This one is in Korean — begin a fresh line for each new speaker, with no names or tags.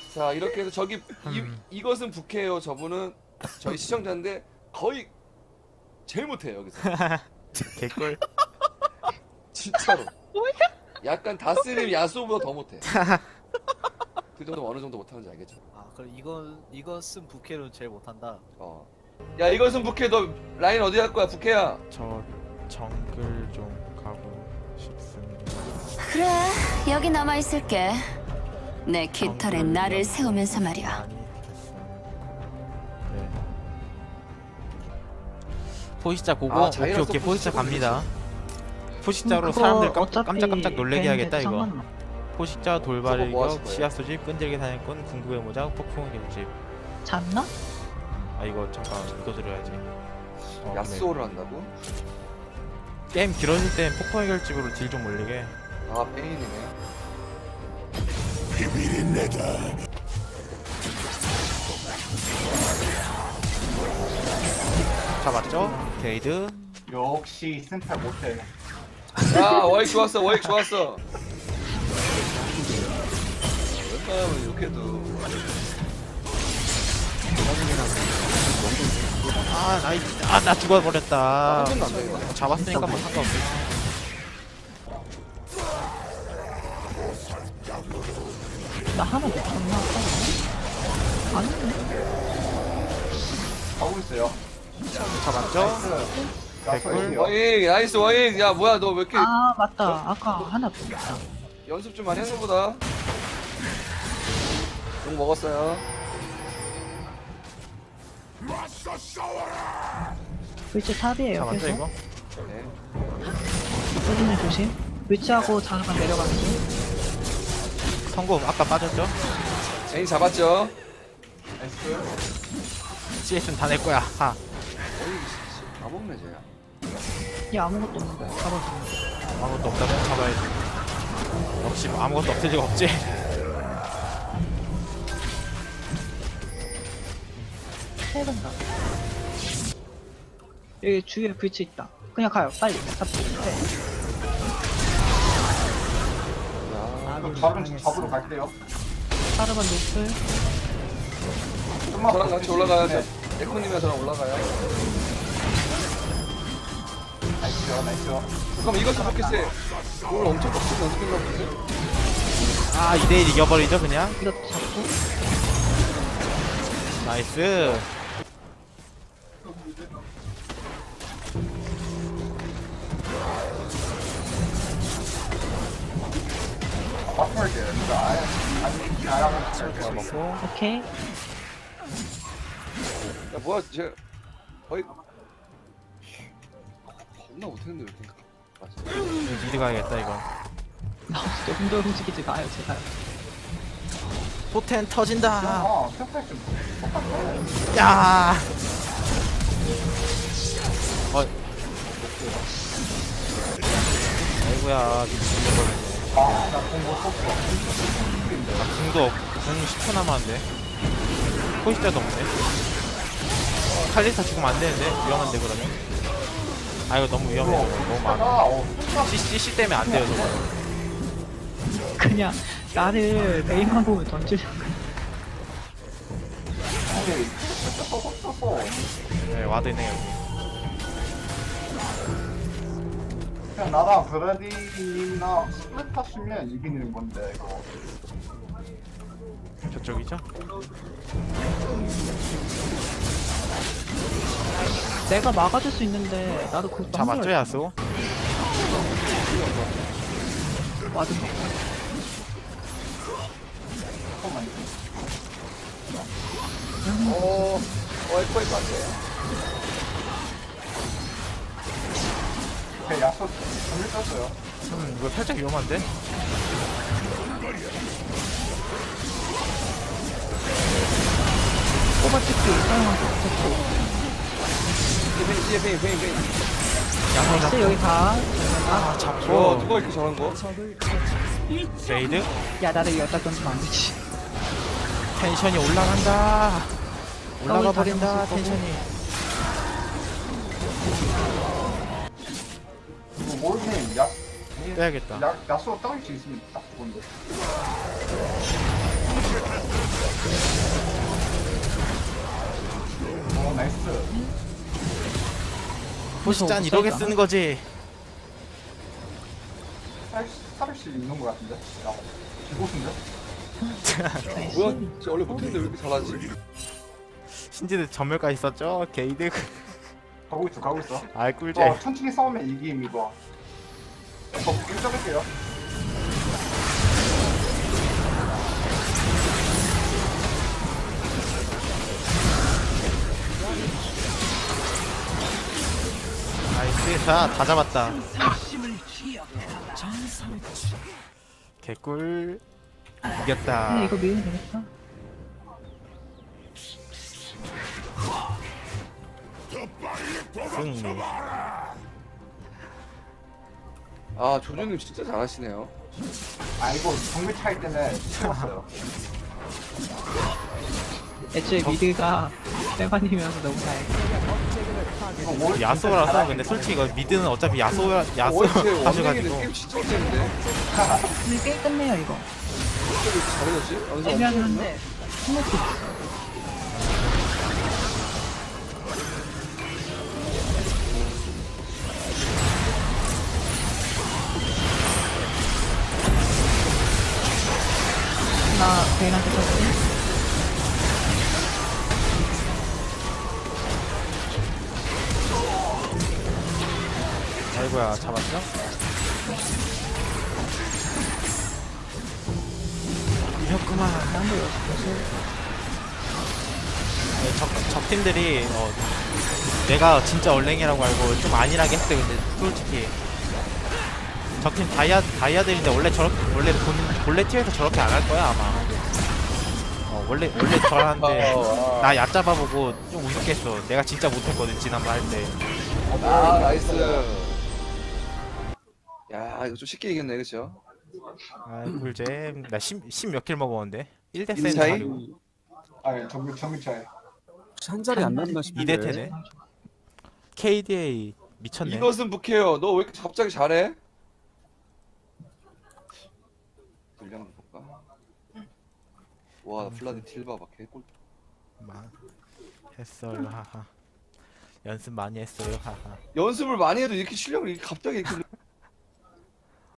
자 이렇게 해서 저기 이것은 부캐예요. 저분은 저희 시청자인데 거의 제일 못해요 여기서.
개꿀.
진짜로. 약간 다스님 야수보다 더 못해. 그 정도 어느 정도 못하는지 알겠죠?
아 그럼 이것은 부캐로 제일 못한다.
어. 야 이것은 부캐 너 라인 어디 갈 거야 부캐야?
저 정글 좀 가고 싶습니다.
그래, 여기 남아 있을게. 내 깃털에 나를 세우면서 말이야.
많이 됐어요. 네. 포식자 고고.
아,
오케이
자이라서
오케이 포식자 갑니다. 포식자로
그거
사람들
어차피
깜짝깜짝 놀래게 해야겠다
밴드
이거.
상관없어.
포식자
저거 뭐
돌발일격
하실 거예요?
씨앗 소집 끈질기 사냥꾼 궁극의 모자 폭풍의 결집.
잤나?
아 이거 잠깐 이거 들어야지.
야스오를 한다고?
게임 길어질 땐 폭풍의 결집으로 딜 좀 올리게.
아 페인이네.
잡았죠? 게이드.
역시 센터 못해.
야 워익 좋았어 워익 좋았어. 웬만하면 이렇게도
나 죽어버렸다.
완전 안 되겠다.
잡았으니까 뭐 상관없어.
나 하나 놓쳤나? 아니네.
하고 있어요.
잡았죠?
야소예요.
워익 나이스 워익. 야 뭐야 너 왜 이렇게
아 맞다. 아까 하나 놓쳤다.
연습 좀 많이 했나 보다. 욕 먹었어요.
위치 탑이에요.
잡았죠
계속.
이거?
네.
조심해 조심. 위치하고 자르반 내려가는 중.
성공 아까 빠졌죠?
제인 잡았죠?
나이스.
CS는 다 낼 거야. 하.
워익이 다 먹네 쟤야.
얘 아무것도 없는데. 잡아줘.
아무것도 없다면 잡아야지. 역시 뭐 아무것도 없을 리가 없지.
해본다. 여기 주위에 위치 있다. 그냥 가요. 빨리. 잡고. 네.
잡으러 갈게요.
자르반 노플.
좀만
저랑 같이 올라가요. 에코님이랑 저랑 올라가요.
나이스요, 나이스요.
그럼 이것도 좋겠어요. 오늘 엄청 빡치게 연습했나 보지?
아 2대1 이겨버리죠 그냥.
이것도 잡고.
나이스.
바꿀게요. 이거 아예 안 하고
잘 먹고.
오케이.
야 뭐야 쟤 거의 겁나 못했는데 왜 이렇게 맞아.
미드 가야겠다 이거.
나 조금 더 움직이지 마요 제발.
포텐 터진다.
아, 세탁 좀.
야. 아이고야 미친놈이네.
아, 나공못 썼어.
궁도 궁 10초 남았는데. 포식자도 없네. 칼리스타 죽으면 안 되는데 위험한데 그러면. 아 이거 너무 위험해 저거. 너무 많아. CC 때문에 안 돼요 저거.
그냥 나를 메인만 보면 던지려고.
근데 진짜 써서
네 와드 있네 여기.
그냥 나랑 브라디나 스플릿 하시면 이기는 건데 이거.
저쪽이죠?
내가 막아줄 수 있는데 나도 그거
잡았죠 야수?
맞은 거.
에코 안 돼.
제 야소 전멸 떴어요.
이거 살짝 위험한데?
뽑아찍기 사용하고 잡고.
페인.
양손
나이스
잡고.
여기 가.
아
저
잡고.
누가 이렇게 잘한 거?
레이드?
야 나를 여기다 던지면 안 되지.
텐션이 올라간다. 올라가 버린다
당연히 쓸 거고.
텐션이.
이거 모르면
빼야겠다.
야소 떨릴 수 있으면 딱 좋은데.
포시짠 이렇게 쓰는 거지.
살씩 있는 것 같은데? 야, 기고수인데?
뭐야? 진짜 원래 못했는데 왜 이렇게 잘하지?
신지는 전멸까지 썼죠? 게이드.
가고 있어.
아이 꿀잼.
천천히 싸우면 이김, 이거. 저 일점할게요.
나이스. 다 잡았다. 개꿀. 이겼다.
근데 이거 밀면 되겠다.
승리.
아 조조님 진짜 잘하시네요.
아, 이거 정글 차이 때문에 찍었어요.
애초에 미드가 빼반이면서 너무 다행이야.
이거 뭘
야소라서 근데 솔직히 이거 미드는 어차피 야소
원래
하셔가지고
원숭이는 게임 진짜 못했는데.
근데 꽤 끝내요 이거.
어떻게 이렇게 잘해졌지? 완전
애매하긴 한데 스모크 있어. 나 베인한테 쳤지?
아이고야 잡았죠? 이겼구만. 네, 적 팀들이 내가 진짜 얼랭이라고 알고 좀 안일하게 했어요. 근데 솔직히 적팀 다이아들인데 원래 본래 팀에서 저렇게 안 할 거야 아마. 원래 저한테 나 얕잡아보고 좀 우습겠어. 내가 진짜 못했거든 지난번 할 때.
아 나이스. 야 이거 좀 쉽게 이겼네 그쵸?
아 꿀잼. 나 10 몇 킬 먹었는데 1대
인
센
차이?
가지고
아니, 정글 차이.
한 자리 안 났나 싶은데.
2대 테네. KDA 미쳤네.
이것은 북해요. 너 왜 이렇게 갑자기 잘해? 분량 좀 볼까? 와 플라디 딜 봐봐 개꿀.
했어요 하하. 연습 많이 했어요 하하.
연습을 많이 해도 이렇게 실력을 이렇게 갑자기 이렇게